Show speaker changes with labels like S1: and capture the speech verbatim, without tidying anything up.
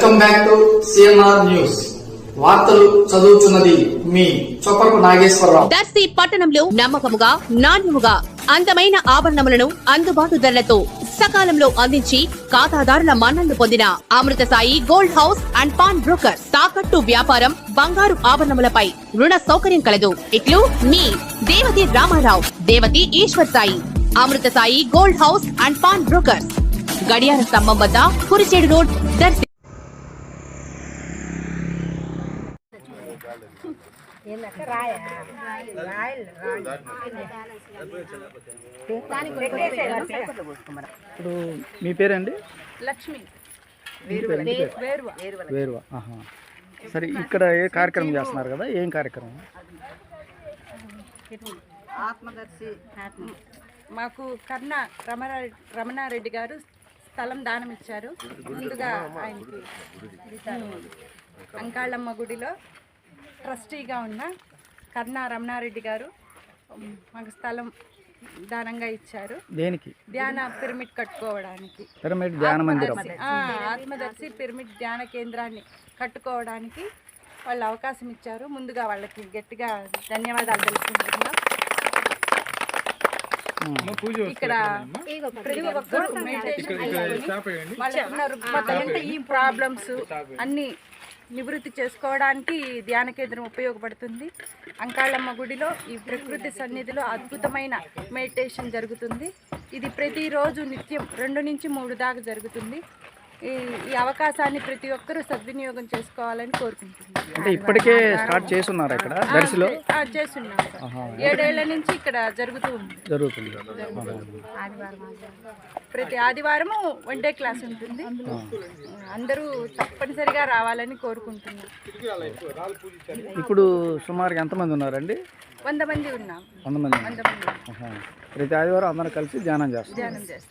S1: Welcome back to CMR news. వార్తలు చదువుతున్నది మీ చొప్పరపు నాగేశ్వరరావు.
S2: దర్శి పట్టణంలో నమ్మకముగా నాణ్యముగా అందమైన ఆభరణములను అందుబాటు ధరలతో సకాలంలో అందించి ఖాతాదారుల మన్ననలు పొందిన Amrutha Sai gold house and pawn broker. తాకట్టు వ్యాపారం, బంగారు ఆభరణములపై రుణ సౌకర్యం కలదు. ఇట్లు మీ Devathi Ramarao, Devathi Eshwar Sai. Amrutha Sai gold house and pawn broker, గడియార స్తంభం వద్ద కురిచేడు రోడ్, దర్శి.
S3: ఇప్పుడు మీ పేరండి?
S4: లక్ష్మి.
S3: వేరువా. ఆహా. సరే, ఇక్కడ ఏ కార్యక్రమం చేస్తున్నారు కదా, ఏం కార్యక్రమం?
S4: ఆత్మదర్శి. మాకు కర్ణ రమణ రమణారెడ్డి గారు స్థలం దానం ఇచ్చారు. ముందుగా ఆయనకి అంకాళమ్మ గుడిలో ట్రస్టీగా ఉన్న కర్ణ రమణారెడ్డి గారు మాకు స్థలం దానంగా ఇచ్చారు.
S3: దేనికి?
S4: ధ్యాన పిరమిడ్ కట్టుకోవడానికి.
S3: పిరమిడ్ ధ్యాన మందిరం.
S4: ఆత్మదర్శి పిరమిడ్ ధ్యాన కేంద్రాన్ని కట్టుకోవడానికి వాళ్ళు అవకాశం ఇచ్చారు. ముందుగా వాళ్ళకి గట్టిగా ధన్యవాదాలు తెలుసుకుంటున్నాం. ఇక్కడ ప్రతి ఒక్కరు మెడిటేషన్ వాళ్ళకున్న రుగ్మతలు, ఈ ప్రాబ్లమ్స్ అన్ని నివృత్తి చేసుకోవడానికి ధ్యాన కేంద్రం ఉపయోగపడుతుంది. అంకాళమ్మ గుడిలో ఈ ప్రకృతి సన్నిధిలో అద్భుతమైన మెడిటేషన్ జరుగుతుంది. ఇది ప్రతిరోజు నిత్యం రెండు నుంచి మూడు దాకా జరుగుతుంది. ఈ ఈ అవకాశాన్ని ప్రతి ఒక్కరూ సద్వినియోగం చేసుకోవాలని కోరుకుంటున్నాను.
S3: అంటే ఇప్పటికే స్టార్ట్ చేస్తున్నారు ఇక్కడ దర్శిలో?
S4: చేస్తున్నాం. ఏడేళ్ల నుంచి ఇక్కడ జరుగుతూ ఉంది
S3: జరుగుతుంది.
S4: ప్రతి ఆదివారము వన్ డే క్లాస్ ఉంటుంది. అందరూ తప్పనిసరిగా రావాలని కోరుకుంటున్నాం.
S3: ఇప్పుడు సుమారుగా ఎంతమంది ఉన్నారండి?
S4: వంద మంది ఉన్నాం.
S3: వంద మంది.
S4: వంద మంది
S3: ప్రతి ఆదివారం అందరూ కలిసి ధ్యానం చేస్తారు.
S4: ధ్యానం చేస్తాం.